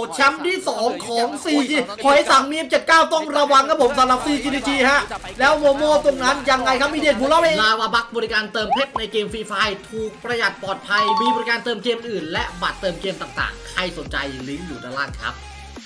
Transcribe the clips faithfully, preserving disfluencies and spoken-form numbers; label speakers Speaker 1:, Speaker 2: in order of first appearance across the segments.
Speaker 1: แชมป์ที่สองของ ซี จี หอยสังมีมเจ็ดสิบเก้าต้องระวังครับผมสำหรับ ซี จี ดี จี ฮะแล้วโมโมตรงนั้นยังไงครับมีเด็ดบุญเล่าเองลาวาบักบริการเติมเพชรในเกมฟรีไฟถูกประหยัดปลอดภัยมีบริการเติมเกมอื่นและบัตรเติมเกมต่างๆใครสนใจลิงก์อยู่ด้านล่างครับ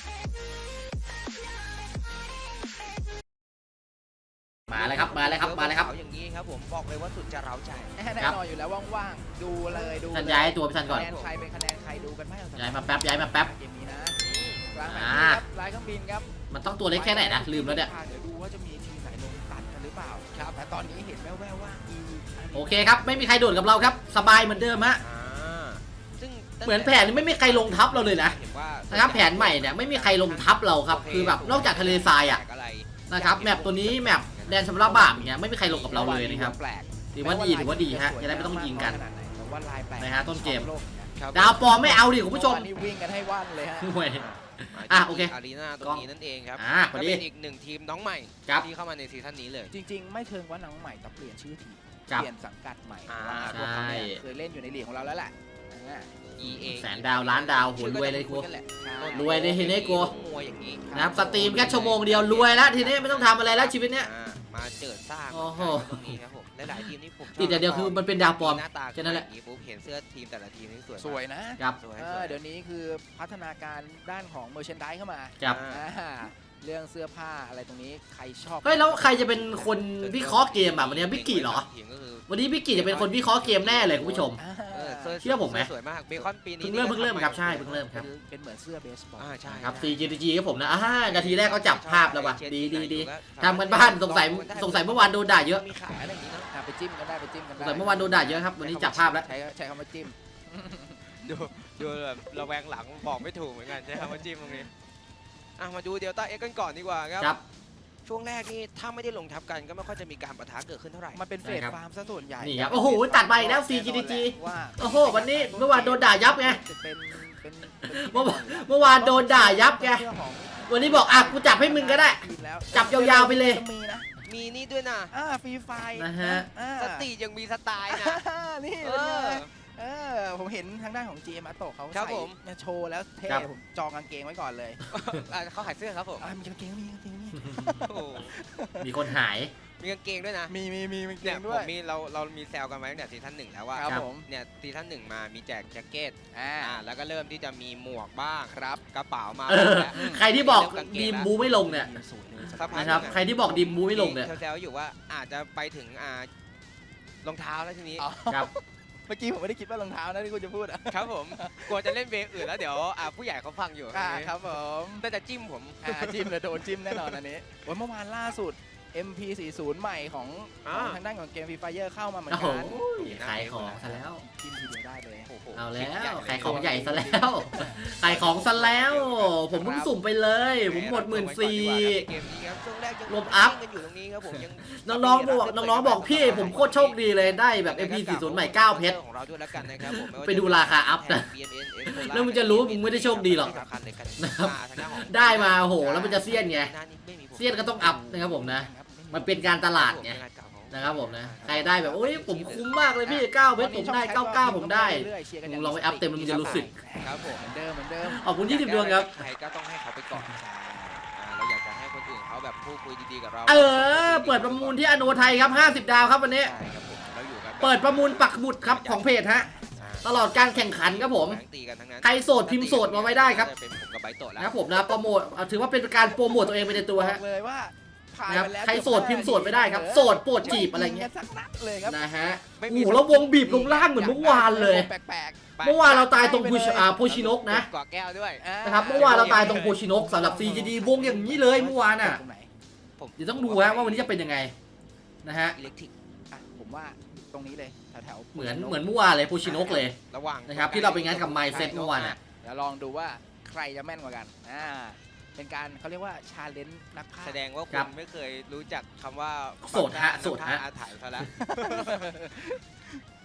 Speaker 1: มาเลยครับมาเลยครับมาเลยครับ
Speaker 2: อย่างนี้ครับผมบอกเลยว่าสุดจะเร้าใจ
Speaker 3: แน่นอนอยู่แล้วว่างๆดูเลยดู
Speaker 1: ท่านย้ายตัวพี่ท่านก่อน
Speaker 3: คะแนนใครเป็นคะแนนใครดูกันไหม
Speaker 1: ย้ายมาแป๊บย้ายมาแป๊บ
Speaker 3: เกมนี้นะกลางแผนที่ครับลายเครื่องบินครับ
Speaker 1: มันต้องตัวเล็กแค่ไหนนะลืมแล้วเนี่ย
Speaker 3: เดี๋ยวดูว่าจะมีทีมไหนลงตัดกันหรือเปล่าครับแต่ตอนนี้เห็นแว่วๆว่า
Speaker 1: โอเคครับไม่มีใครโดดกับเราครับสบายเหมือนเดิมฮะเหมือนแผนไม่มีใครลงทับเราเลยนะนะครับแผนใหม่เนี่ยไม่มีใครลงทับเราครับคือแบบนอกจากทะเลทรายอ่ะนะครับแมปตัวนี้แมปแดนชำระบาปอย่างเงี้ยไม่มีใครลงกับเราเลยนะครับถือว่าดีถือว่าดีฮะจะได้ไม่ต้องยิงกันนะฮะต้นเกมดาวปอมไม่เอาดิคุณผู้ชม
Speaker 3: นี่วิ่งกันให้ว่านเลยฮะ
Speaker 1: อ่ะโอเค
Speaker 2: อารีนาตรงนี้นั่นเองครับ
Speaker 1: อ่า
Speaker 2: เป็นอีกหนึ่งทีมน้องใหม่ที่เข้ามาในซีซั่นนี้เลย
Speaker 3: จริงๆไม่เชิงว่าน้องใหม่แต่เปลี่ยนชื่อทีมเปลี่ยนสังกัดใหม่พวกเขาเคยเล่นอยู่ในลีกของเราแล้วแหละ
Speaker 1: แสนดาวล้านดาวหัวรวยเลยกูรวยเลยทีนี้กูนะครับสตรีมแค่ชั่วโมงเดียวรวยแล้วทีนี้ไม่ต้องทำอะไรแล้วชีวิตเนี้ย
Speaker 2: มาเจิดสร้างตรงนี้ครับผมหลายๆทีมนี่ผม
Speaker 1: ติดแต่เดียวคือมันเป็นดาวปลอมแค่นั้นแหละ
Speaker 2: ผมเห็นเสื้อทีมแต่ละทีมนี่สวย
Speaker 3: สวยนะครับเดี๋ยวนี้คือพัฒนาการด้านของเมอร์เชนไดส์เข้ามา
Speaker 1: ครับ
Speaker 3: เรื่องเสื้อผ้าอะไรตรงนี้ใครชอบ
Speaker 1: เฮ้ยแล้วใครจะเป็นคนวิเคราะห์เกมอ่ะวันนี้บิ๊กกี้เหรอวันนี้บิ๊กกี้จะเป็นคนวิเคราะห์เกมแน่เลยคุณผู้ชมเชื่อผมไหม
Speaker 2: สวยมากเบคอนปีนี้
Speaker 1: เพิ่งเริ่มเพิ่งเริ่มครับใช่เพิ่งเริ่มครับ
Speaker 3: เป็นเหมือนเสื้อเบสบอล
Speaker 2: ใช่
Speaker 1: ครับ ซี จี ดี จี ครับผมนะอ่านาทีแรกเขาจับภาพแล้วว่ะดีดีดีทำกันบ้านสงสัยสงสัยเมื่อวานโดนด่าเยอะ
Speaker 3: มีขายอะไรอย่างนี้นะไปจิ้มกันได้ไปจิ้มกันได้
Speaker 1: สงสัยเมื่อวานโดนด่าเยอะครับวันนี้จับภาพแล้ว
Speaker 3: ใช้ใช้คำว่าจิ้ม
Speaker 2: ดูดูแบบระแวงหลังบอกไม่ถูกเหมือนกันใช้คำว่าจิ้มตรงนี้อ่ะมาดูเดลต้าเอ็กกันก่อนดีกว่าครับช่วงแรกนี่ถ้าไม่ได้ลงทับกันก็ไม่ค่อยจะมีการปะทะเกิดขึ้นเท่าไหร่
Speaker 3: มันเป็นเฟสฟาร์มซะส่วนใหญ่
Speaker 1: นี่ครับโอ้โหตัดไปแล้ว ซี จี ดี จี โอ้โหวันนี้เมื่อวานโดนด่ายับไงเมื่อเมื่อวานโดนด่ายับไงวันนี้บอกอ่ะกูจับให้มึงก็ได้จับยาวๆไปเลย
Speaker 2: มีนี่ด้วยนะ
Speaker 3: อ่าฟรีไฟ
Speaker 1: นะฮะ
Speaker 2: สติยังมีสไตล์นะ
Speaker 3: นี่เออผมเห็นทางด้านของ จี เอ็ม อัตโตะเขาใส่โชว์แล้วเท่ผมจองกางเกงไว้ก่อนเลย
Speaker 2: เขาขายเสื้อครับผม
Speaker 3: มีกางเกงมีกางเกงมี
Speaker 1: มีคนหาย
Speaker 2: มีกางเกงด้วยนะ
Speaker 3: มีมีมีกางเกง
Speaker 2: ด้วยผมมีเราเรามีแซวกันไว้ตั้งแต่ซีซั่นหนึ่งแล้วว่าเนี่ยซีซั่นหนึ่งมามีแจกแจ็คเก็ตอ่าแล้วก็เริ่มที่จะมีหมวกบ้างครับกระเป๋ามา
Speaker 1: ใครที่บอกดีมบูไม่ลงเนี่ยนะครับใครที่บอกดีมบูไม่ลงเนี่ย
Speaker 2: แซวอยู่ว่าอาจจะไปถึงอ่ารองเท้าแล้วทีนี้
Speaker 1: ครับ
Speaker 3: เมื่อกี้ผมไม่ได้คิดว่ารองเท้านะที่คุณจะพูด
Speaker 2: ครับผมกลัวจะเล่นเวอื่นแล้วเดี๋ยวผู้ใหญ่เขาฟังอยู่
Speaker 3: ครับผม
Speaker 2: แต่จะจิ้มผม
Speaker 3: จิ้มเลยโดนจิ้มแน่นอนอันนี้วันเมื่อวานล่าสุด เอ็ม พี สี่สิบ ใหม่ของทางด้านของเกมฟรีไฟเอร์เข้ามาเหมือนกัน
Speaker 1: ขายของซะแล้ว
Speaker 3: จิ้มทีเดียวได้เลย
Speaker 1: เอาแล้วขายของใหญ่ซะแล้วขายของซะแล้วผมเพิ่งสุ่มไปเลยผมหมดหมื่นสี่รวมอัพน้องๆบอกน้องๆบอกพี่ผมโคตรโชคดีเลยได้แบบ เอ็ม พี สี่สิบ ใหม่เก้าเพชรไปดูราคาอัพนะแล้วมึงจะรู้มึงไม่ได้โชคดีหรอกนะครับได้มาโหแล้วมันจะเสี้ยนไงเสี้ยนก็ต้องอัพนะครับผมนะมันเป็นการตลาดไงนะครับผมนะใครได้แบบโอ้ยผมคุ้มมากเลยพี่เก้าเพชรผมได้เก้าเก้าผมได้มึงลองไปอัพเต็มแล้วมึงจะรู้สึก
Speaker 3: ครับผมเหมือนเดิมเหมือนเดิม
Speaker 1: ขอบคุณยี่สิบดวงครับ
Speaker 2: ใครก็ต้องให้เขาไปก่อนเราอยากจะให้คนอื่นเขาแบบพูดคุยดีๆกับเรา
Speaker 1: เออเปิดประมูลที่อโนไทยครับห้าสิบดาวครับวันนี้เปิดประมูลปักหมุดครับของเพจฮะตลอดการแข่งขันครับผมใครโสดพิมพ์โสดมาไว้ได้ครับนะครับผมนะโปรโมทถือว่าเป็นการโปรโมทตัวเองไปในตัวฮะ
Speaker 3: เลยว่า
Speaker 1: นะครับใครโสดพิมพ์โสดไม่ได้ครับโสดโปรดจีบอะไรเงี้ยนะฮะโอ้โหแล้ววงบีบลงล่างเหมือนเมื่อวานเลยเมื่อวานเราตายตรงโพชินกนะ
Speaker 2: กอแก้วด้วย
Speaker 1: นะครับเมื่อวานเราตายตรงโพชินกสำหรับ ซี จี ดี วงอย่างนี้เลยเมื่อวานอ่ะเดี๋ยวต้องดูฮะว่าวันนี้จะเป็นยังไงนะฮะ
Speaker 3: ผมว่าตรงนี้เลยแถว
Speaker 1: ๆเหมือนเหมือนเมื่อวานเลยโพชินกเลยนะครับที่เราไปงานกับไมซ์เซ็ตเมื่อวานอ่ะ
Speaker 3: เดี๋ยวลองดูว่าใครจะแม่นกว่ากันอ่าเป็นการเขาเรียกว่าชาเลนจ์นักพากย์
Speaker 2: แสดงว่าคุณไม่เคยรู้จักคำว่า
Speaker 1: โสดฮะโสดฮะ
Speaker 2: อาถรรพ์ซะแล้ว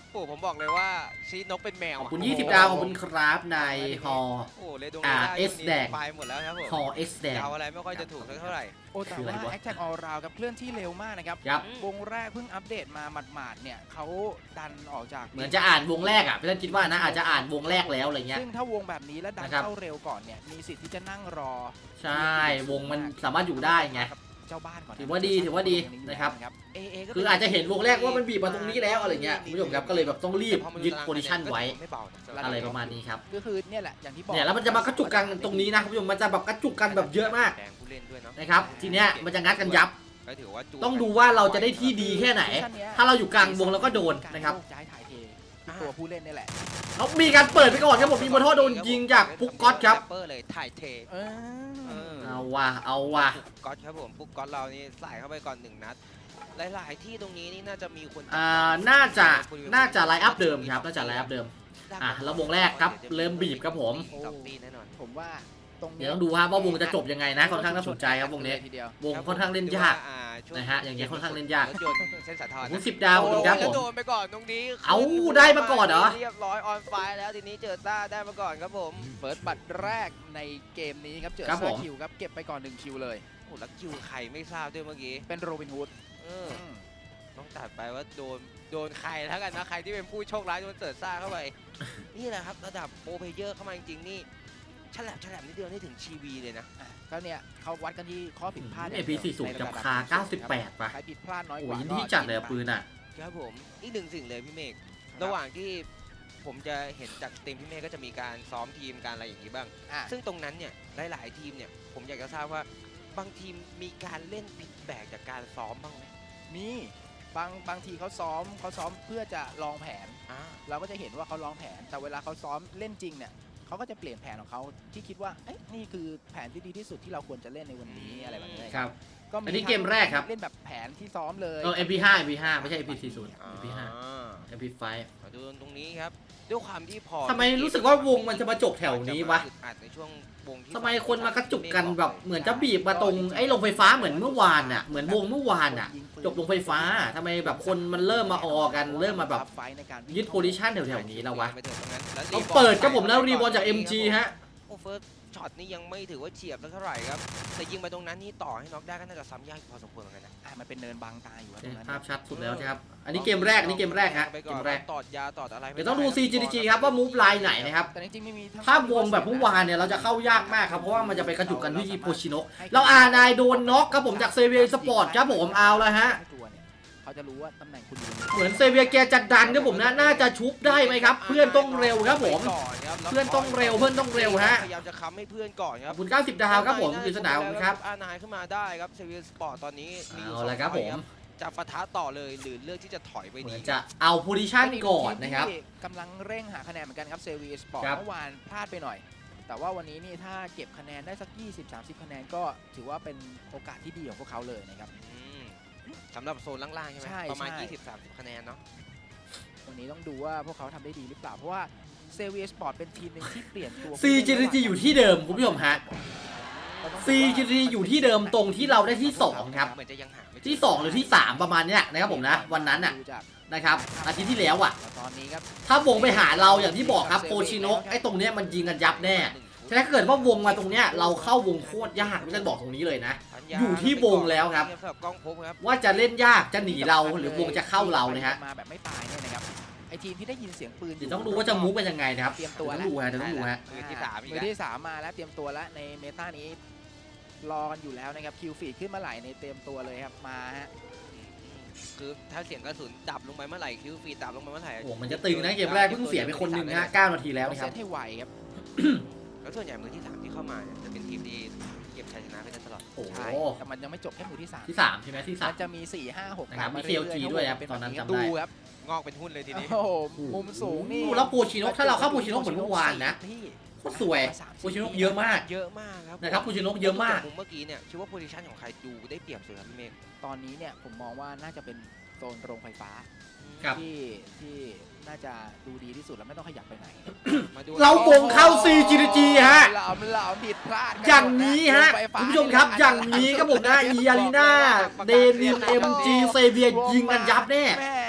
Speaker 2: โอ้ผมบอกเลยว่าชีนกเป็นแมว
Speaker 1: ขอบคุณยี่สิบดาวขอบคุณครับในฮอ
Speaker 2: โอ้เลยดง
Speaker 1: อ่า
Speaker 2: ได้
Speaker 1: เอสแดง
Speaker 2: ไปหมดแล้วครับผม
Speaker 1: ฮอเอสแดง
Speaker 2: เดาอะไรไม่ค่อยจะถูกสักเท่าไหร่
Speaker 3: โอ้แต่
Speaker 1: คืออะไร
Speaker 3: ว่าว
Speaker 1: ะ
Speaker 3: แอคแท็กออลราวกับเคลื่อนที่เร็วมากนะครับ
Speaker 1: ครับ
Speaker 3: วงแรกเพิ่งอัปเดตมาหมาดๆเนี่ยเขาดันออกจาก
Speaker 1: เหมือนจะอ่านวงแรกอ่ะพี่ท่านคิดว่านะอาจจะอ่านวงแรกแล้วอะไรเงี้ย
Speaker 3: ซึ่งถ้าวงแบบนี้แล้วดัน
Speaker 1: นะครับ
Speaker 3: เข้าเร็วก่อนเนี่ยมีสิทธิ์ที่จะนั่งรอ
Speaker 1: ใช่วงมันสามารถอยู่ได้ไง
Speaker 3: เจ้าบ้านก่อนนะ
Speaker 1: ถือว่าดีถือว่าดีนะครับ
Speaker 3: เอเอก็
Speaker 1: คืออาจจะเห็นวงแรกว่ามันบีบมาตรงนี้แล้วอะไรเงี้ยคุณผู้ชมครับก็เลยแบบต้องรีบยึดโพซิชันไว้
Speaker 2: ไม่เบานะ
Speaker 1: อะไรประมาณนี้ครับ
Speaker 3: ก็คือเนี่ยแหละอย่างที่บอก
Speaker 1: เนี่ยแล้วมันจะมากระจุกกันตรงนี้นะคุณผู้ชมมันจะแบบกระจุกกันแบบเยอะมาก
Speaker 2: แดงผู้เล่นด้วยเนาะ
Speaker 1: นะครับทีเนี้ยมันจะงัดกันยับ
Speaker 2: ก็ถือว่าจู
Speaker 1: ต้องดูว่าเราจะได้ที่ดีแค่ไหน ถ้าเราอยู่กลางวงเราก็โดนนะครับ
Speaker 3: ย้ายถ่ายเทตัวผู้เล่นนี่แหละ
Speaker 1: แล้วมีการเปิดไปก่อนครับผมมีบอลท่อโดนยิงจากปุ๊กก๊อตครับ
Speaker 2: เปอร์เลยถ่ายเท
Speaker 3: เออ
Speaker 2: เออ
Speaker 1: เอาว่ะเอาว่ะ
Speaker 2: ปุ๊กก๊อตครับผมปุ๊กก๊อตเรานี่ใส่เข้าไปก่อนหนึ่งนัดหลายๆที่ตรงนี้นี่น่าจะมีคน
Speaker 1: อ่าน่าจะน่าจะไลน์อัพเดิมครับน่าจะไลน์อัพเดิมอ่ะแล้ววงแรกครับเริ่มบีบครับผม
Speaker 2: สองตีแน่นอน
Speaker 3: ผมว่าตรงนี้
Speaker 1: เดี๋ยวต้องดูครับว่าวงจะจบยังไงนะค่อนข้างน่าสนใจครับวงนี้
Speaker 3: ทีเดียว
Speaker 1: วงค่อนข้างเล่นยาก
Speaker 2: อ่ช่ว
Speaker 1: นะฮะอย่างเงี้ยค่อนข้างเล่นยาก
Speaker 2: รถยนต์เส้นสาทร
Speaker 1: คุณสิบดาวขอบคุณครับผ
Speaker 2: แล้ว
Speaker 1: ม
Speaker 2: โดนไปก่อนตรงนี้
Speaker 1: เอ้าได้มาก่อนเหรอ
Speaker 2: เรียบร้อยออนไฟแล้วทีนี้เจอซ่าได้มาก่อนครับผม
Speaker 3: เฟิร์สบัตรแรกในเกมนี้ครับเจอ
Speaker 1: ครับผ
Speaker 3: ซาม คิวครับเก็บไปก่อนหนึ่งคิวเลย
Speaker 2: โอ้แล้วคิวใครไม่ทราบด้วยเมื่อกี้
Speaker 3: เป็นโรบินฮูด
Speaker 2: เออต้องตัดไปว่าโดนโดนใครแล้วกันนะใครที่เป็นผู้โชคร้ายโดนเสิร์ชซ่าเข้าไป นี่แหละครับระดับโปรเพลเยอร์เข้ามาจริงๆนี่ฉลับฉลับนิดเดียวนี่ถึงชีวีเลยนะ
Speaker 3: อ่ะก็เนี่ยเขาวัดกันที่ข้อผิดพลาด
Speaker 1: เอพีสี่สิบกับคาเก้าสิบแปดป่ะ
Speaker 3: ใครผิดพลาดน้อย
Speaker 1: โอ้
Speaker 3: ก
Speaker 1: ย
Speaker 3: ว่า
Speaker 1: ยินดีจัดเลยอะปืนอ่ะ
Speaker 2: ครับผมอีกหนึ่งสิ่งเลยพี่เมฆระหว่างที่ผมจะเห็นจากทีมพี่เมฆก็จะมีการซ้อมทีมการอะไรอย่างนี้บ้าง
Speaker 3: อ่ะ
Speaker 2: ซึ่งตรงนั้นเนี่ยหลายๆทีมเนี่ยผมอยากจะทราบว่าบางทีมมีการเล่นผิดแบกจากการซ้อมบ้างไหม
Speaker 3: มีบางบางทีเขาซ้อมเขาซ้อมเพื่อจะลองแผน
Speaker 2: อ่า
Speaker 3: เราก็จะเห็นว่าเขาลองแผน แต่เวลาเขาซ้อมเล่นจริงเนี่ยเขาก็จะเปลี่ยนแผนของเขาที่คิดว่าเอ๊ะนี่คือแผนที่ดีที่สุดที่เราควรจะเล่นในวันนี้อะไรแบบนี้
Speaker 1: ครับ
Speaker 3: ก็
Speaker 1: อันนี้เกมแรกครับ
Speaker 3: เล่นแบบแผนที่ซ้อมเลย
Speaker 1: เออ เอ็ม พี ห้า เอ็ม พี ห้า ไม่ใช่ เอ็ม พี สี่สิบ
Speaker 2: อ่า
Speaker 1: เอ็ม พี ห้า เอ็ม พี ไฟว์
Speaker 2: มาดูตรงนี้ครับด้วยความที่พอ
Speaker 1: ทำไมรู้สึกว่าวงมันจะมาจบแถวนี้วะ
Speaker 2: อึดอัดในช่วงวงที่
Speaker 1: ทำไมคนมากระจุกกันแบบเหมือนจะบีบมาตรงไอ้โรงไฟฟ้าเหมือนเมื่อวานน่ะเหมือนวงเมื่อวานน่ะจบโรงไฟฟ้าทำไมแบบคนมันเริ่มมาออกันเริ่มมาแบบ
Speaker 3: ไฟในการวิ่ง
Speaker 1: ยึดโพซิชันแถวๆนี้แล้ววะ
Speaker 2: ไปถึงตรงนั้นแล้ว
Speaker 1: ต้องเปิดครับผมแล้วรีบอลจาก เอ็ม จี ฮะ
Speaker 2: โอ้เฟิร์สช็อตนี้ยังไม่ถือว่าเฉียบสักเท่าไหร่ครับแต่ยิงไปตรงนั้นนี่ต่อให้น็อกได้ก็น่าจะซ้ำยากพอสมควรเหมือนกันนะ
Speaker 3: อ่ะมันเป็นเนินบางตาอยู่อะตรงนั้น
Speaker 1: ภาพชัดสุดแล้วครับ อันนี้เกมแรก อันนี้เกมแรกฮะ
Speaker 2: ไป
Speaker 1: เก
Speaker 2: ก่อน
Speaker 1: มแรก
Speaker 2: ตอดยาตอดอะไร
Speaker 1: เดี๋ยวต้องดู ซี จี ดี จี ครับว่ามูฟไลน์ไหนนะครับ
Speaker 3: แต่จริงๆไม่มี
Speaker 1: ถ้าวงแบบเมื่อวานเนี่ยเราจะเข้ายากมากครับเพราะว่ามันจะไปกระจุกกันที่โพชิโนะแล้วอาร์นายโดนน็อกครับผมจากเซเวียสปอร์ตครับผมเอาแล้วฮะ
Speaker 3: ตัวเนี่ยเขาจะรู้ว่าตำแหน่งคุณอยู่ตรงไหน
Speaker 1: เหมือนเซเวียแกจะดันครับผมนะน่าจะชุบได้ไหมครับ เพื่อนต้องเร็วครับผม
Speaker 2: ไปก่อนครับแล้ว
Speaker 1: เพื่อนต้องเร็วเพื่อนต้องเร็วฮะ
Speaker 2: พยายามจะค้ำให้เพื่อนก่อนค
Speaker 1: ข
Speaker 2: รั
Speaker 1: อ
Speaker 2: บบ
Speaker 1: คุณเก้าสิบดาวครับผมปริศนาผมครับ
Speaker 2: อานายขึ้นมาได้ครับเซเวียสปอร์ตตอนนี้มีอยู่
Speaker 1: เอา
Speaker 2: สอง
Speaker 1: ละครับผม
Speaker 2: จะปะทะต่อเลยหรือเลือกที่จะถอยไป
Speaker 1: เหมื
Speaker 2: ดี
Speaker 1: อนจะเอาโพซิชันก่อนนะครับ
Speaker 3: ที่กำลังเร่งหาคะแนนเหมือนกันครับเซเวียสปอร์ต
Speaker 1: ครับ
Speaker 3: เมื่อวานพลาดไปหน่อย แต่ว่าวันนี้นี่ถ้าเก็บคะแนนได้สัก ยี่สิบถึงสามสิบ คะแนนก็ถือว่าเป็นโอกาสที่ดีของพวกเขาเลยนะครับ
Speaker 2: อืมสำหรับโซนล่างๆใช่ไหม
Speaker 3: ใช่
Speaker 2: ประมาณ
Speaker 3: ใช่
Speaker 2: ยี่สิบสามสิบคะแนนเนาะ
Speaker 3: วันนี้ต้องดูว่าพวกเขาทำได้ดีหรือเปล่า เพราะว่าเซเวียสปอร์ตเป็นทีมหนึ่งที่เปลี่ยนตัว
Speaker 1: ซี จี ดี จี อยู่ที่เดิมคุณผู้ชมฮะ ซี จี ดี จี อยู่ที่เดิมตรงที่เราได้ที่สองครับ
Speaker 2: เหมือนจะยังหาไม่เจ
Speaker 1: ที่สองหรือที่สามประมาณเนี้ยนะครับผมนะวันนั้นน่ะ
Speaker 3: ดูจาก
Speaker 1: นะครับอาทิตย์ที่แล้วอ่ะ
Speaker 3: ตอนนี้ครับ
Speaker 1: ถ้าวงไปหาเราอย่างที่บอกครับโพชิโนะไอ้ตรงเนี้ยมันยิงกันยับแน่แต่ถ้าเกิดว่าวงมาตรงเนี้ยเราเข้าวงโคตรยากไม่ต้องบอกตรงนี้เลยนะ อยู่ที่วงแล้วครับ
Speaker 2: สำหรับกล้องพบครับ
Speaker 1: ว่าจะเล่นยากจะหนีเราหรือวงจะเข้าเรานะฮะ
Speaker 3: มาแบบไม่ตายเนี่ยนะครับไอทีมที่ได้ยินเสียงปืน
Speaker 1: เดี๋ยวต้องดูว่าจะมูฟเป็นยังไงนะครับ
Speaker 3: เตรียมตัว
Speaker 1: เดี๋ยว
Speaker 3: แล้ว
Speaker 1: ต้องดูฮะเดี๋ยวต้องดูฮะ
Speaker 2: มือที่สามอีก
Speaker 3: มื
Speaker 2: แล้
Speaker 3: อ
Speaker 2: ว
Speaker 3: ที่สามมาแล้วเตรียมตัวแล้วในเมตานี้รอกันอยู่แล้วนะครับคิวฟีดขึ้นมาไหลในเตรียมตัวเลยครับมาฮะ
Speaker 2: คือถ้าเสียงกระสุนดับลงไปเมื่อไหร่คิวฟีดดับลงไปเมื่อไหร่
Speaker 1: โอ้โหมันจะตึงนะเกมแรกเพิ่งเสียไปคนหนึ่งนะฮะเก้านาทีแล้ว
Speaker 3: ต้อง
Speaker 1: นะค
Speaker 3: เซ
Speaker 1: รับ
Speaker 3: ตให้ไวครับ
Speaker 2: แล้วส่วนใหญ่มือที่สามที่เข้ามาเนี่ยจะเป็นทีมที่เก็บชัยชนะไปได้ตลอด
Speaker 1: โอ้โห
Speaker 3: ใช่แต่มันยังไม่จบแค่มือที่สาม
Speaker 1: ที่สามใช่ไหมที่สา
Speaker 3: มั
Speaker 1: ม
Speaker 3: นจะมีสี่ห้าหก
Speaker 1: นะครับมี
Speaker 3: ตาารื่อ
Speaker 1: เค LG ด้วยครับ
Speaker 3: เป็
Speaker 1: ตอนนั้น
Speaker 3: แบบ
Speaker 1: จำได้
Speaker 3: ดูครับ
Speaker 2: งอกเป็นหุ้นเลยทีนี้
Speaker 3: โอ้โหมุมสูงนี่
Speaker 1: แล้วโพชิโนะถ้าเราเข้าโพชิโนะเหมือนเมื่อวานนะ
Speaker 3: พี่
Speaker 1: โคตรสวยโพชิโนะเยอะมาก
Speaker 2: เยอะมากครับ
Speaker 1: นะครับโพชิโนะเยอะมาก
Speaker 2: มุมเมื่อกี้เนี่ยคิดว่าโพซิชันของใครดูได้เปรียบสุดครับพี่เมฆ
Speaker 3: ตอนนี้เนี่ยผมมองว่าน่าจะเป็นโซนโรงไฟฟ้า
Speaker 1: ครับ
Speaker 3: ที่ที่น่าจะดูดีที่สุดแล้วไม่ต้องขยับไปไหน
Speaker 2: มาดู
Speaker 1: เราวงเข้า ซี จี ดี จี ฮะ
Speaker 3: เราเราผิดพลาดกั
Speaker 1: อย่างนี้ฮะ
Speaker 3: โรงไฟฟ้า
Speaker 1: คุณผู้ชมครับอย่างนี้ครับผมนะอีอารีนาเดนิมเอ็มจีเซเวียยิงกันยับแน่
Speaker 3: แม่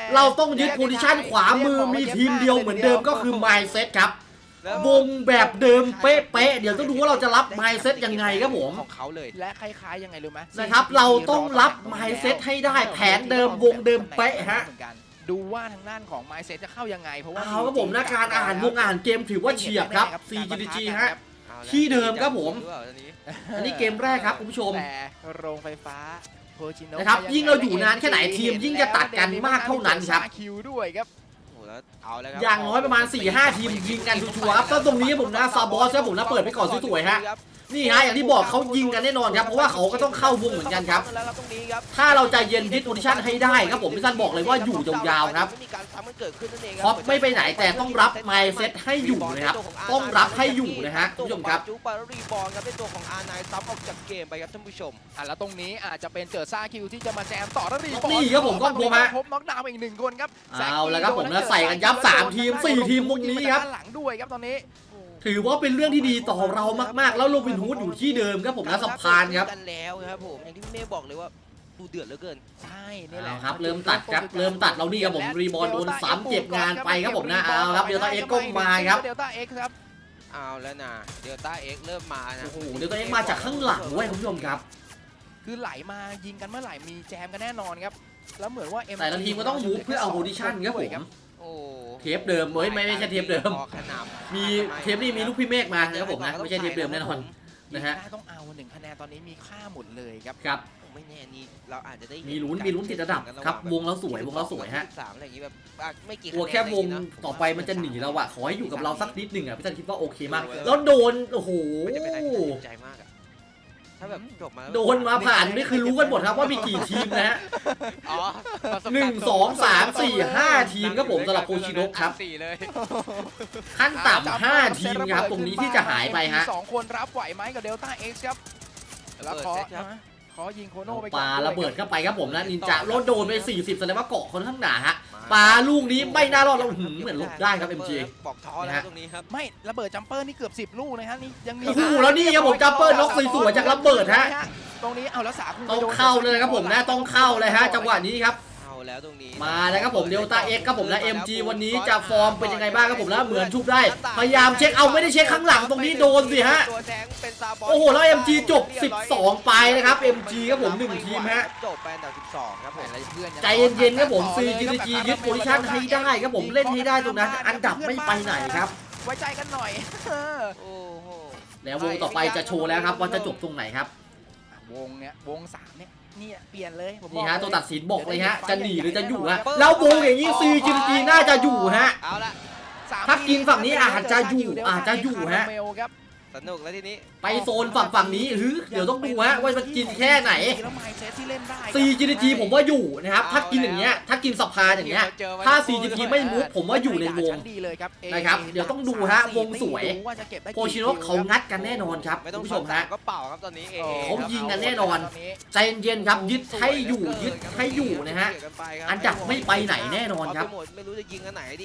Speaker 1: เราต้องยึดโพซิชันขวามือมีทีมเดียวเหมือนเดิมก็คือ Mindset ครับวงแบบเดิมเป๊ะๆเดี๋ยวต้องดูว่าเราจะรับ Mindset ยังไงครับผม
Speaker 2: ของเขาเลย
Speaker 3: และคล้ายๆยังไงรู้ไหม
Speaker 1: นะครับเราต้องรับ Mindset ให้ได้แผนเดิมวงเดิมเป๊ะฮะ
Speaker 3: ดูว่าทางด้านของ Mindset จะเข้ายังไงเพราะว่า
Speaker 1: เอาครับผมนะการอ่านวงอ่านเกมถือว่าเฉียบครับ ซี จี ดี จี ฮะที่เดิมครับผมอันนี้เกมแรกครับคุณผู้ชม
Speaker 3: แต่โรงไฟฟ้าโพชิโนะ
Speaker 1: นะครับยิ่งเราอยู่นานแค่ไหนทีมยิ่งจะตัดกันมากเท่านั้นครับ
Speaker 3: คิวด้วยครับ
Speaker 2: เอาแล้วครับ
Speaker 1: อย่างน้อยประมาณ สี่ห้า ทีมยิงกันชัวร์ๆครับแล้วตรงนี้ผมนะซาบอสครับผมนะเปิดไปก่อนสวยๆฮะนี่ฮะอย่างที่บอกเขายิงกันแน่นอนครับเพราะว่าเขาก็ต้องเข้าวงเหมือนกันครับถ้าเราใจเย็นยึดโพซิชั่นให้ได้ครับผมพี่ซันบอกเลยว่าอยู่ยาวๆครับเพราะไม่ไปไหนแต่ต้องรับ Mindset ให้อยู่นะครับต้องรับให้อยู่นะฮะคุณผู้ชมครับ
Speaker 2: จุ๊บารีบอลครับเป็นตัวของอาร์ไนซับออกจากเกมไปครับท่านผู้ชม
Speaker 3: อ่ะแล้วตรงนี้อาจจะเป็นเจอซ่าคิวที่จะมาแจมต่อแล้วรีบอล
Speaker 1: นี่ครับผมก็โผล่มา
Speaker 3: พบน็อกดาวน์อีกหนึ่งคนครับ
Speaker 1: เอาแล้วครับผมนะใส่กันยับสามทีมสี่ทีมตรงนี้ครับ
Speaker 3: หลังด้วยครับตอนนี้
Speaker 1: ถือว่าเป็นเรื่องที่ดีต่อเรามากๆแล้วโรบินฮูดอยู่ที่เดิมครับผมนะสะพานครับ
Speaker 2: กันแล้วครับผมอย่างที่พี่เมย์บอกเลยว่าดูเดือดเหลือเกิน
Speaker 3: ใช่นี่แหละ
Speaker 1: เอาครับเริ่มตัดครับเริ่มตัดเรานี่ครับผมรีบอลโดนซ้ำเก็บงานไปครับผมนะเอาครับเดลต้าเอ็กซ์ก็มาครับ
Speaker 3: เดลต้าเอ็กซ์ครับ
Speaker 2: เอาแล้วนะเดลต้าเอ็กเริ่มมานะ
Speaker 1: โอ้โหเดลต้าเอ็กซ์มาจากข้างหลังเว้ยคุณผู้ชมครับ
Speaker 3: คือไหลมายิงกันเมื่อไหร่มีแจมกันแน่นอนครับแล้วเหมือนว่า
Speaker 1: แต่ละทีมก็ต้องมูฟเพื่อเอาโพซิชั่นครับผม
Speaker 2: โอ้
Speaker 1: เทปเดิมเฮ้ยไม่ไม่ใช่เทปเดิม
Speaker 2: ออกขนาด
Speaker 1: มีเทปนี้มีลูกพี่เมฆมานะครับผมนะไม่ใช่เทปเดิมแน่นอน นะฮะ
Speaker 3: ได้ต้องเอาหนึ่งคะแนนตอนนี้มีค่าหมดเลยครับ
Speaker 1: ครับ
Speaker 2: ไม่แน่นี่เราอาจจะได้
Speaker 1: มีลุ้นมีลุ้นติดระดับครับวงเราสวยวงเราสวยฮะ
Speaker 2: สามอะไรอย่างงี้แบบไม่กี่
Speaker 1: กลัวแค่วงต่อไปมันจะหนีเราอะขอให้อยู่กับเราสักนิดหนึ่งอะพี่จันคิดว่าโอเคมากแล้วโดนโอ้โห
Speaker 2: มันจะเป็นอะไรที่น่าสนใจมากอะถ้าแบบจบมา
Speaker 1: โดนมาผ่านนี่คือรู้กันหมดครับว่ามีกี่ทีมนะฮะ
Speaker 2: อ๋อ
Speaker 1: หนึ่งสองสามสี่ห้าทีมครับผมสำหรับโคชิโนะครับ
Speaker 2: สี่เลย
Speaker 1: ขั้นต่ำห้าทีมครับตรงนี้ที่จะหายไปฮะ
Speaker 3: สองคนรับไหวไหมกับเดลต้าเอ็กซ์ครับแล้วขอขอยิงโคโน่ไปก่อน
Speaker 1: ปาระเบิดเข้าไปครับผมนะนินจาโลดโดนไปสี่สิบแสดงว่าเกาะคนข้างหนาฮะปาลูกนี้ไม่น่ารอดเราหืมเหมือนลบได้ครับ เอ็ม จี
Speaker 2: บอกท้อแล้วตรงนี้ครับ
Speaker 3: ไม่ระเบิดจัมเปอร์นี่เกือบสิบลูกนะฮะนี่ยังมี
Speaker 1: โอ้โหแล้วนี่ครับผมจัมเปอร์น็อกสวยๆจากระเบิดฮะ
Speaker 3: ตรงนี้เอาแล้วสาคู
Speaker 1: ต้องเข้าเลยครับผมนะต้องเข้าเลยฮะจังหวะนี้ครับ
Speaker 2: เอาแล้วตรงนี้
Speaker 1: มาแล้วครับผมเดลต้าเอ็กครับผมนะ เอ็ม จี วันนี้จะฟอร์มเป็นยังไงบ้างครับผมนะเหมือนชุบได้พยายามเช็คเอาไม่ได้เช็คข้างหลังตรงนี้โดนสิฮะ
Speaker 2: ตัวแทงเป็นซาบอล
Speaker 1: โอ้โหแล้ว เอ็ม จี จบสิบสองไปนะครับ เอ็ม จี ครับผมหนึ่งทีมฮะ
Speaker 2: จบไปอันดับสิบสองครับผม
Speaker 1: ใจเย็นๆครับผม ซี จี ดี จี ยึดโพซิชั่นให้ได้ครับผมเล่นให้ได้ตรงนั้นอันดับไม่ไปไหนครับ
Speaker 3: ไว้ใจกันหน่อย
Speaker 2: โอ้โห
Speaker 1: แล้ววงต่อไปจะโชว์แล้วครับว่าจะจบตรงไหนครับ
Speaker 3: วงเนี้ยวงสามเนี่ยนี่เปลี่ยนเลยผม
Speaker 1: นี่ฮะตัวตัดสินบอกเลยฮะจะหนีหรือจะอยู่ฮะแล้ววงอย่างนี้ ซี จี ดี จี น่าจะอยู่ฮะ
Speaker 2: เอาละ
Speaker 1: ถ้ากินฝั่งนี้อาจจะอยู่อาจจะอยู่ฮะ
Speaker 2: สนุกแล้วทีนี้
Speaker 1: ไปโซนฝั่งฝั่งนี้หรือเดี๋ยวต้องดูฮะว่ามันกินแค่ไหน
Speaker 3: แล้วไมซ์เซตที่เล่นได้
Speaker 1: ซี จี ดี จี ผมว่าอยู่นะครับถ้ากินอย่างเงี้ยถ้ากินสภาอย่างเงี้ยถ้า ซี จี ดี ไม่มุกผมว่าอยู่ในวง
Speaker 3: ดีเลยครับ
Speaker 1: นะครับเดี๋ยวต้องดูฮะวงสวยโคชิโนะเขางัดกันแน่นอนครับ
Speaker 2: ไม่
Speaker 1: คุ
Speaker 2: ต้อง
Speaker 1: ณผู้ชมฮะ
Speaker 2: ก็เป่าครับตอนนี้เอ
Speaker 1: เขายิงกันแน่นอน ใจเย็นๆครับยึดให้อยู่ยึดให้อยู่นะฮะอันดับไม่ไปไหนแน่นอนครับ
Speaker 2: ไม่รู้จะยิงอันไหนดี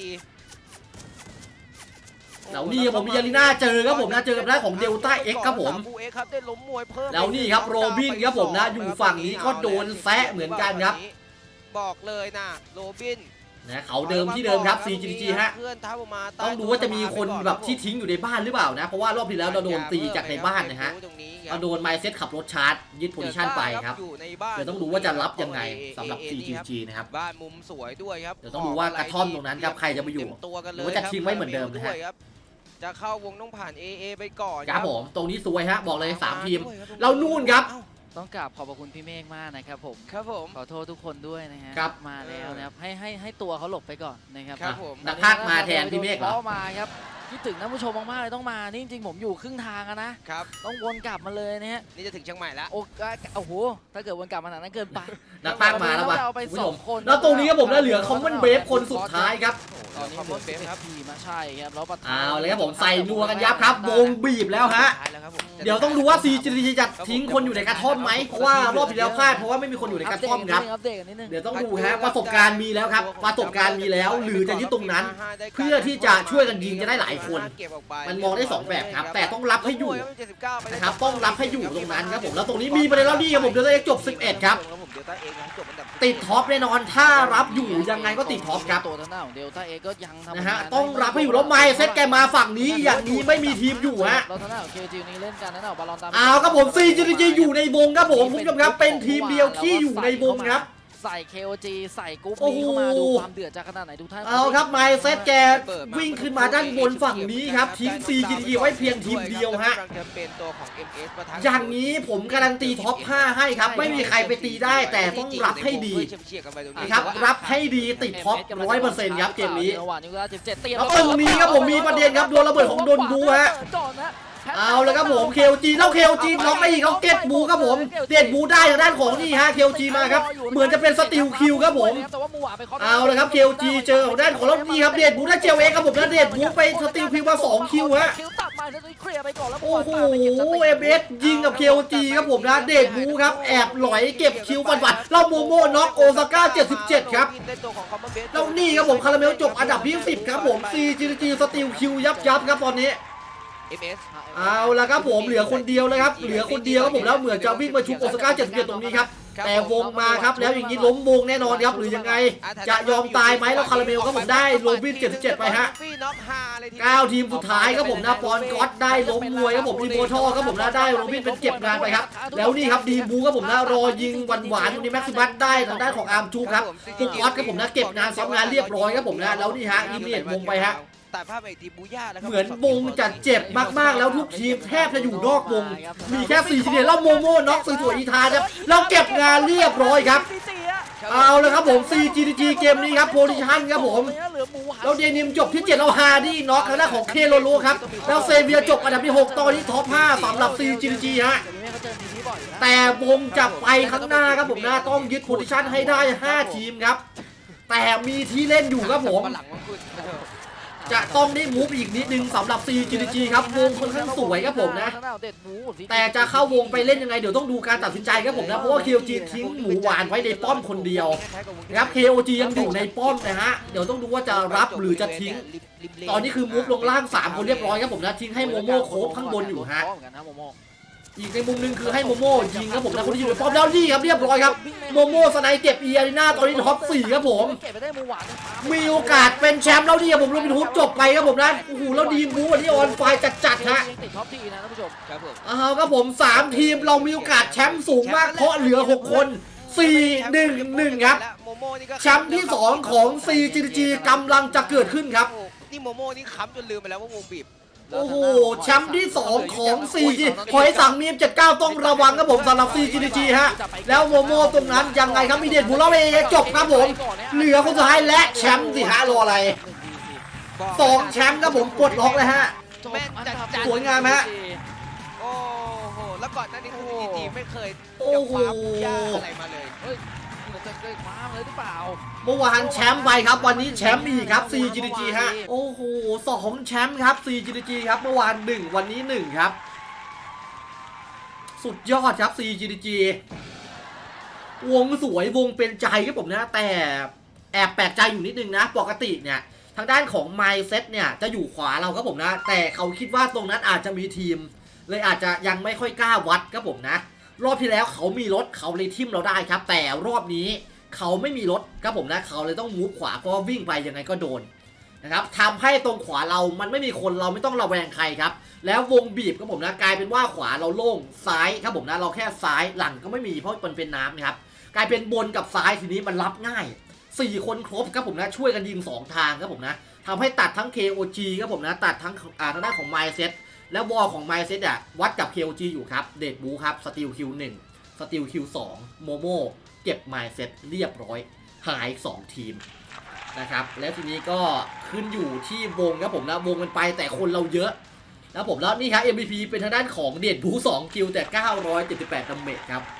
Speaker 1: แล้วนี่ผมมียาลิน่าเจอครับผมนะเจอกับหน้าของเดลต้าเอ็กครับผม
Speaker 2: ได้ล้มมวยเพิ่ม
Speaker 1: แล้วนี่ครับโรบินครับผมนะอยู่ฝั่งนี้ก็โดนแซะเหมือนกันครับ
Speaker 2: บอกเลยนะโรบิน
Speaker 1: นะเขาเดิมที่เดิมครับ ซี จี ดี จี ฮะ
Speaker 2: เพื่อนทับออกมา
Speaker 1: ต้องดูว่าจะมีคนแบบที่ทิ้งอยู่ในบ้านหรือเปล่านะเพราะว่ารอบที่แล้วเราโดนตีจากในบ้านนะฮะเราโดนไมเซ็ตขับรถชาร์จยึดโพซิชั่นไปครับเดี๋ยวต้องดูว่าจะรับยังไงสำหรับ ซี จี ดี จี นะครับ
Speaker 2: บ้านมุมสวยด้วยครับ
Speaker 1: เดี๋ยวต้องดูว่ากระท่อมตรงนั้นครับใครจะไปอยู่
Speaker 2: ตัวกัน
Speaker 1: ห
Speaker 2: เล
Speaker 1: รื
Speaker 2: ย
Speaker 1: อว่าจะทิ้งไว้เหมือนเดิมนะฮะ
Speaker 2: จะเข้าวงต้องผ่าน เอ เอ ไปก่อน
Speaker 1: ครับผมตรงนี้สวยฮะบอกเลยสามทีมเรานู่นครับ
Speaker 4: ต้องกราบขอบพระคุณพี่เมฆมากนะครับผม
Speaker 2: ครับผม
Speaker 4: ขอโทษทุกคนด้วยนะฮะ
Speaker 1: ครับ
Speaker 4: มาแล้วนะครับให้ให้ให้ตัวเขาหลบไปก่อนนะครับ
Speaker 2: ครับผม
Speaker 1: นักพากย์มาแทนพี่เมฆเหรอ
Speaker 4: ข้ามาครับคิดถึงท่านผู้ชมมากๆเลยต้องมานี่จริงๆผมอยู่ครึ่งทางอะนะครับ ต้องวนกลับมาเลยนะฮะ
Speaker 2: นี่จะถึงเชียงใหม่แล้ว
Speaker 4: โอ้โอ้โหถ้าเกิดวนกลับมาหนานั้นเกินไป
Speaker 1: นักพากย์มาแล้ววะ
Speaker 4: เราไป
Speaker 1: คุณผู้
Speaker 4: ส
Speaker 1: ช
Speaker 4: อ
Speaker 1: ม
Speaker 4: งคน
Speaker 1: แล้วตรงนี้ครับผมนะเหลือคอมมอนเบฟคนสุดท้ายครับ
Speaker 4: ตอนนี้เหลือเบฟครับทีมาใช่ครับแล้วประธาน
Speaker 1: เอาเลยครับผมใส่นัวกันยับครับวงบีบแล้วฮะ
Speaker 2: ท้ายแล้วครับผม
Speaker 1: เดี๋ยวต้องดูว่า ซี จี ดี จี จะทิ้งคนอยู่ในกระท่อมไหมเพราะว่ารอบที่แล้วพลาดเพราะว่าไม่มีคนอยู่ในกระท่อมครับ
Speaker 4: อัปเดตกันนิดนึง
Speaker 1: เดี๋ยวต้องดูฮะประสบการณ์มีแล้วครับประสบการณ์มีแล้วหรือจะยึดตรงนั้น เพื่อที่จะช่วยกันยิงจะได้หลายคน มันมองได้สองแบบครับแต่ต้องรับให้อยู่นะครับต้องรับให้อยู่ตรงนั้นครับผมแล้วตรงนี้มีประเด็นแล้วนี่ครับผมเดี๋ยวจะจบสิบเอ็ดครับ
Speaker 2: ผมเดลต้าเองครับจบอันดับ
Speaker 1: ติดท็อปแน่นอนถ้ารับอยู่ยังไงก็ติดท็อปครับ
Speaker 4: ตัวทางด้านของเดลต้าเอก็ยังทำ
Speaker 1: นะฮะ
Speaker 4: ผลาน
Speaker 1: ต้องรับให้อยู่แล้วไมเซ็ตแกมาฝั่งนี้อย่างนี้ไม่มีทีมอยู่ฮะ
Speaker 4: แล้วทางด้านของเคจีนี้เล่นกันนะบอลลอนตาม
Speaker 1: เอาครับผม ซี จี ดี จี อยู่ในวงครับผมคุณผู้ชมครับเป็นทีมเดียวที่อยู่ในวงครับ
Speaker 4: ใส่ เค โอ จี ใส่กรุ๊ป
Speaker 1: โอ้
Speaker 4: นี้
Speaker 1: โห
Speaker 4: เข้ามาดูความเดือดจากขนาดไหนทุกท่าน
Speaker 1: เอาครับไมเซ็ตแกวิ่งขึ้นมาด้านบนฝั่งนี้ครับทิ้ง ซี จี ดี จี ไว้เพียงทีมเดียวฮะ
Speaker 2: กำลังจะเป็นตัวของ เอ็ม เอส ปะทะ
Speaker 1: อย่างนี้ผมการันตีท็อปห้าให้ครับไม่มีใครไปตีได้แต่ต้องรับให้ดี
Speaker 2: เชียร์ๆกันไปตรงนี้
Speaker 1: นะครับรับให้ดีติดท็อปร้อยเปอร์เซ็นต์ครับเกมนี้
Speaker 4: จังหวะนี้ก็สิบเจ็ดเตรียม
Speaker 1: แล้วตรงนี้ครับผมมีประเด็นครับโดนระเบิดของโดนบูฮะ
Speaker 4: ก่อนนะ
Speaker 1: เอาเลยครับผม เค โอ จี แล้ว เค โอ จี น็อกไปอีกเขาเก็ตบูครับผมเด็ดบูได้ทางด้านของนี่ฮะ เค โอ จี มาครับเหมือนจะเป็นสติลคิวครับผม
Speaker 4: แต่ว่ามูอ่ะไปค
Speaker 1: เอาเลยครับ เค โอ จี เจอของด้านของแล้วนี่ครับเด็ดบูได้เจลเองครับผมแล้วเด็ดบูไปสติลคิวมาสองคิวฮะ
Speaker 4: คิวตัดมาแล้วเคลียร์ไปก่อนแล้ว
Speaker 1: โอ้โห เอ เอส ยิงกับ เค โอ จี ครับผมนะเด็ดบูครับแอบหลอยเก็บคิวฟันๆแล้วโมโม่น็อกโอซาก้าเจ็ดสิบเจ็ดครับแล้วนี่ครับผมคาราเมลจบอันดับที่สิบครับผม ซี จี ดี จี สติลคิวยับยับครับตอนนี้
Speaker 2: เอ็ม เอส
Speaker 1: เอาละครับผมเหลือคนเดียวเลยครับเหลือคนเดียวครับผมแล้วเหมือนจะวิ่งมาชุบโอซาก้าเจ็ดสิบเจ็ดตรงนี้ครับแต่วงมาครับแล้วอย่างนี้ล้มวงแน่นอนครับหรือยังไงจะยอมตายไหมแล้วคาราเมลครับผมได้โรบินเจ็ดสิบเจ็ดไปฮะเก้าทีมสุดท้ายครับผมนะปอนก๊อตได้ล้มมวยครับผมอีโมทอครับผมนะได้โรบินเป็นเก็บงานไปครับแล้วนี่ครับดีบูครับผมนะรอยิงหวานหวานตรงนี้แม็กซิมัสได้ทางด้านของอาร์มจูครับพวกก๊อตครับผมนะเก็บงานซ้ำงานเรียบร้อยครับผมนะแล้วนี่ฮะอิมเนียตวงไปฮะ
Speaker 2: แต่ภาพไอ้ทีมบูย่าแล้วครับ
Speaker 1: เหมือนวงจะเจ็บมากๆแล้วทุกทีมแทบจะอยู่นอกวงมีแค่สี่ทีมแล้วโมโม่น็อกสวยๆอีทาครับแล้วเก็บงานเรียบร้อยครับเอาเลยครับผม ซี จี ดี จี เกมนี้ครับโพซิชั่นครับผมแล้วเดนิมจบที่เจ็ดแล้วฮาร์ดี้น็อกทางด้านของเคโลโลครับแล้วเซเวียจบอันดับที่หกตอนนี้ท็อปห้าสำหรับ ซี จี ดี จี ฮะแต่วงจะไปข้างหน้าครับผมนะต้องยึดโพซิชั่นให้ได้ห้าทีมครับแต่มีที่เล่นอยู่ครับผม
Speaker 2: หลังมันคือ
Speaker 1: จะต้องได้มูฟอีกนิดนึงสำหรับ ซี จี ดี จี ครับวงค่อนข้างสวยครับผมนะแต่จะเข้าวงไปเล่นยังไงเดี๋ยวต้องดูการตัดสินใจครับผมนะเพราะว่า เค โอ จี ทิ้งหมูหวานไว้ในป้อมคนเดียวนะครับ เค โอ จี ยังอยู่ในป้อมนะฮะเดี๋ยวต้องดูว่าจะรับหรือจะทิ้งตอนนี้คือมูฟลงล่างสามคนเรียบร้อยครับผมนะทิ้งให้โมโม่โคฟข้างบนอยู่ฮะอีกในมุมนึงคือให้โมโม่ยิงครับผมนะคนที่อยู่ในป้อมแล้วนี่ครับเรียบร้อยครับโมโม่สไนเก็บเอียรีนาตอนนี้ท็อปสี่ครับผมมีโอกาสเป็นแชมป์แล้วนี่ครับผมโรบินฮูดจบไปครับผมนะโอ้โหแล้วดีมบูวันนี้ออนไฟจัดๆฮะ
Speaker 4: ติดท็อปทีนะท่านผู้ชม
Speaker 2: ครับผม
Speaker 1: เอาครับผมสามทีมเรามีโอกาสแชมป์สูงมากเพราะเหลือหกคนสี่ หนึ่ง หนึ่งครับแชมป์ที่สองของ ซี จี ดี จี กำลังจะเกิดขึ้นครับ
Speaker 2: นี่โมโม่นี่ค้ำจนลืมไปแล้วว่าวงบีบ
Speaker 1: โอ้โหแชมป์ที่สองของ ซี จี หอยสังมีมเจ็ดสิบเก้าต้องระวังครับผมสำหรับ ซี จี ดี จี ฮะแล้วโมโม่ตรงนั้นยังไงครับมีเด็ดบุลเลอร์เอจบครับผมเหลือคนสุดท้ายและแชมป์สิฮะรออะไรสองแชมป์ครับผมกดล็อกเลยฮะ
Speaker 2: แม่นจัด
Speaker 1: สวยงามฮะ
Speaker 2: โอ้โหแล้วก่อนหน้านี้คือซีจีไม่เคย
Speaker 1: โอ้
Speaker 2: จะ
Speaker 1: โห
Speaker 2: คว้าบูย่าอะไรมาเลย
Speaker 4: เฮ้ยมันจะเคยคว้าเลยหรือเปล่า
Speaker 1: เมื่อวานแชมป์ไปครับวันนี้แชมป์อีกครับ ซี จี ดี จี ฮะโอ้โหสองแชมป์ครับ ซี จี ดี จี ครับเมื่อวานหนึ่งวันนี้หนึ่งครับสุดยอดครับ ซี จี ดี จี วงสวยวงเป็นใจครับผมนะแต่แอบแปลกใจอยู่นิดนึงนะปกติเนี่ยทางด้านของ Mindset เนี่ยจะอยู่ขวาเราครับผมนะแต่เขาคิดว่าตรงนั้นอาจจะมีทีมเลยอาจจะยังไม่ค่อยกล้าวัดครับผมนะรอบที่แล้วเขามีรถเขาเลยทิมเราได้ครับแต่รอบนี้เขาไม่มีรถครับผมนะเขาเลยต้องมูฟขวาเพราะว่าวิ่งไปยังไงก็โดนนะครับทำให้ตรงขวาเรามันไม่มีคนเราไม่ต้องระแวงใครครับแล้ววงบีบครับผมนะกลายเป็นว่าขวาเราโล่งซ้ายครับผมนะเราแค่ซ้ายหลังก็ไม่มีเพราะมันเป็นน้ำนะครับกลายเป็นบนกับซ้ายทีนี้มันรับง่ายสี่คนครบครับผมนะช่วยกันยิงสองทางครับผมนะทำให้ตัดทั้ง เค โอ จี ครับผมนะตัดทั้งอ่าทางด้านของ Mindset แล้วบอลของ Mindset อ่ะวัดกับ เค โอ จี อยู่ครับเดดบูครับสตีลคิวหนึ่งสตีลคิวสองโมโม่เก็บ Mindset เรียบร้อยหายสองทีมนะครับแล้วทีนี้ก็ขึ้นอยู่ที่วงครับผมนะวงมันไปแต่คนเราเยอะแล้วผมแล้วนี่ครับ เอ็ม วี พี เป็นทางด้านของเดดบูสองคิวแต่เก้าร้อยเจ็ดสิบแปดดาเมจครับ